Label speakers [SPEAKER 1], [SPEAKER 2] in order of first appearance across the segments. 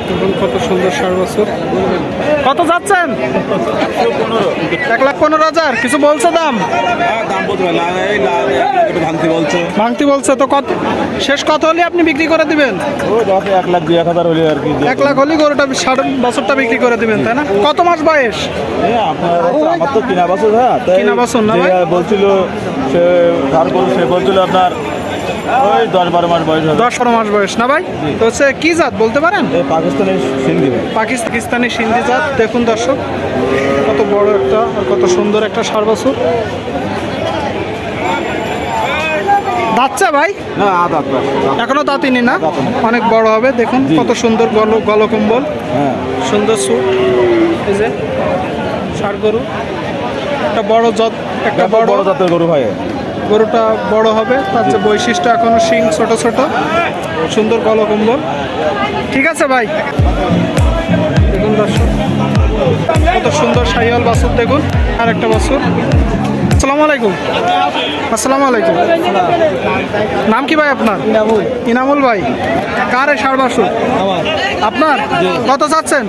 [SPEAKER 1] দেখুন কত সুন্দর ষাঁড় বাছুর। কত যাচ্ছেন? 1,15,000। কিছু বলছে দাম? ভাঙতি বলছে তো। কত শেষ কত হলে আপনি বিক্রি করে দিবেন?
[SPEAKER 2] 1,02,1,000 হলে আর কি।
[SPEAKER 1] 1 লাখ হলে গরুটা ষাঁড় বাছুরটা বিক্রি করে দিবেন, তাই না? কত মাস বয়স?
[SPEAKER 2] আমার তো কিনা বাছুর। হ্যাঁ,
[SPEAKER 1] কিনা বাছুর না ভাই?
[SPEAKER 2] বলছিল সে বলছিল আপনার ওই 10-12 মাস বয়স হবে।
[SPEAKER 1] 10-12 মাস বয়স না ভাই? তো হচ্ছে কি জাত বলতে পারেন?
[SPEAKER 2] পাকিস্তানি সিন্ধি।
[SPEAKER 1] পাকিস্তানি সিন্ধি জাত। দেখুন দর্শক কত বড় একটা আর কত সুন্দর একটা ষাঁড় বাছুর। দাঁতছে ভাই?
[SPEAKER 2] না,
[SPEAKER 1] এখনো দাঁতিনি না? অনেক বড় হবে। দেখুন কত সুন্দর গলকম্বল, সুন্দর সুট। এই যে ষাঁড় গরু, একটা বড় জাত, একটা বড়
[SPEAKER 2] জাতের গরু ভাই।
[SPEAKER 1] গরুটা বড় হবে, তার যে বৈশিষ্ট্য এখনো শিং ছোট ছোট, সুন্দর গলকম্বল। ঠিক আছে ভাই। দেখুন দর্শক কত সুন্দর শাহিওয়াল বাছুর। দেখুন আর একটা বাছুর। আসসালামু আলাইকুম। আসসালামু আলাইকুম। নাম কি ভাই আপনার? ইনামুল ভাই। কার এই ষাঁড় বাছুর? আপনার? কত চাচ্ছেন?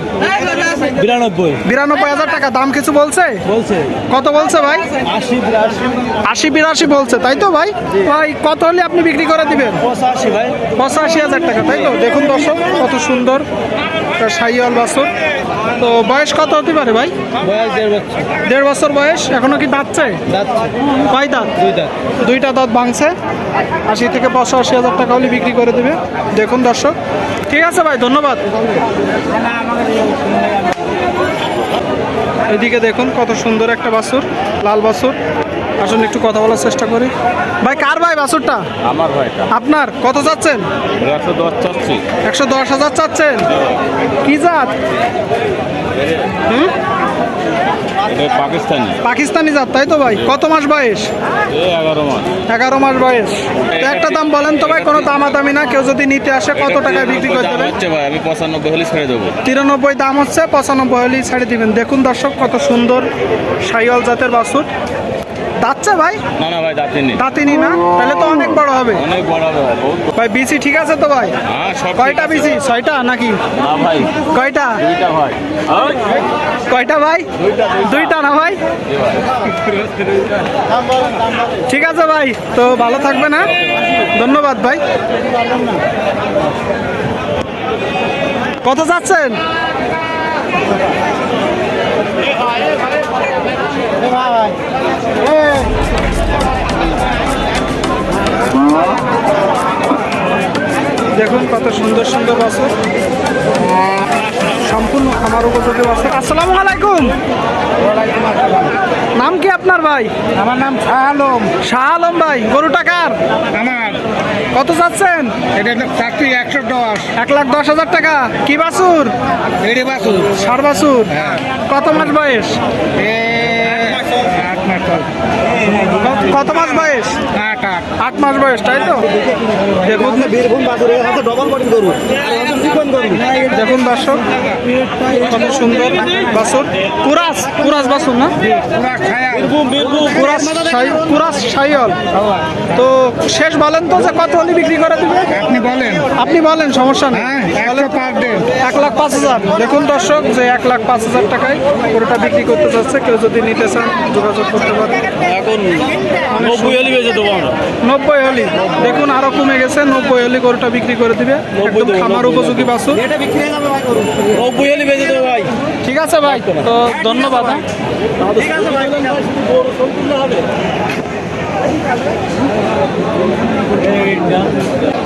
[SPEAKER 1] 92,000 টাকা। দাম কিছু বলছে? কত বলছে ভাই? 80-82 বলছে, তাই তো ভাই? ভাই কত হলে আপনি বিক্রি করে দিবেন? 85,000 টাকা, তাই তো? দেখুন দর্শক কত সুন্দর শাহিওয়াল বাছুর। তো বয়স কত হতে পারে ভাই? 1.5 বছর বয়স। এখনো কি দাঁতছে? কয় দাঁত? দুইটা দাঁত ভাঙছে। 80 থেকে 85,000 টাকা হলে বিক্রি করে দেবে। দেখুন দর্শক। ঠিক আছে ভাই, ধন্যবাদ। এদিকে দেখুন কত সুন্দর একটা বাছুর, লাল বাছুর। আসুন একটু কথা বলার চেষ্টা করি। ভাই কার ভাই বাছুরটা?
[SPEAKER 2] আমার ভাই।
[SPEAKER 1] আপনার? কত চাচ্ছেন?
[SPEAKER 2] 110 চাচ্ছি।
[SPEAKER 1] 110,000 চাচ্ছেন। কি জাত? পাকিস্তানি জাত, তাই তো ভাই? কত মাস বয়স? 11 মাস বয়স। তো একটা দাম বলেন তো ভাই, কোনো দামাদামি না। কেউ যদি নিতে আসে কত টাকায় বিক্রি করে দেবেন?
[SPEAKER 2] আমি 95 হলে ছেড়ে দেবো।
[SPEAKER 1] 93 দাম হচ্ছে, 95 হলেই ছেড়ে দিবেন। দেখুন দর্শক কত সুন্দর শাহিওয়াল জাতের বাছুর। দাঁতছে ভাই?
[SPEAKER 2] না ভাই,
[SPEAKER 1] দাঁতিনি না? তাহলে তো অনেক বড় হবে।
[SPEAKER 2] অনেক বড় হবে
[SPEAKER 1] ভাই। বিসি ঠিক আছে তো ভাই? কয়টা বিসি? 6টা নাকি?
[SPEAKER 2] না ভাই।
[SPEAKER 1] কয়টা?
[SPEAKER 2] 2টা ভাই।
[SPEAKER 1] কয়টা ভাই? 2টা না ভাই? ঠিক আছে ভাই, তো ভালো থাকবে না? ধন্যবাদ ভাই। কত যাচ্ছেন? দেখুন কত সুন্দর সুন্দর বাছুর, সম্পূর্ণ খামার উপযোগী বাছুর। আসসালামু আলাইকুম। নাম কি আপনার ভাই?
[SPEAKER 3] আমার নাম শাহ আলম।
[SPEAKER 1] শাহ আলম ভাই। গরুটা কার?
[SPEAKER 3] আমার।
[SPEAKER 1] কত চাচ্ছেন?
[SPEAKER 3] এটা চাকরি 110।
[SPEAKER 1] 1,10,000 টাকা। কি বাছুর?
[SPEAKER 3] এড়ে বাছুর।
[SPEAKER 1] ষাঁড় বাছুর। কত মাস বয়স?
[SPEAKER 3] 8 মাস।
[SPEAKER 1] কত মাস বয়স?
[SPEAKER 3] 8
[SPEAKER 1] 8 মাস বয়স, তাই তো? দেখুন দেখুন দর্শক কত সুন্দর বাছুর। কুরাস বাছুর না? কুরাস শাহিওয়াল। তো শেষ বলেন তো যে কত হলে বিক্রি করে দিবে? আপনি বলেন, সমস্যা নেই। 1,05,000। দেখুন দর্শক যে 1,05,000 টাকায় গরুটা বিক্রি করতে যাচ্ছে। কেউ যদি নিতে চান যোগাযোগ করতে পারে।
[SPEAKER 2] এখন 90 হলে বেচে দেবো আমরা।
[SPEAKER 1] 90 হলি। দেখুন আরো কমে গেছে। 90 হলি গরুটা বিক্রি করে দিবে। একদম খামার উপযোগী বাছুর।
[SPEAKER 2] 90 হলে বেচে দেবো ভাই।
[SPEAKER 1] ঠিক আছে ভাই, তো ধন্যবাদ।
[SPEAKER 2] হবে।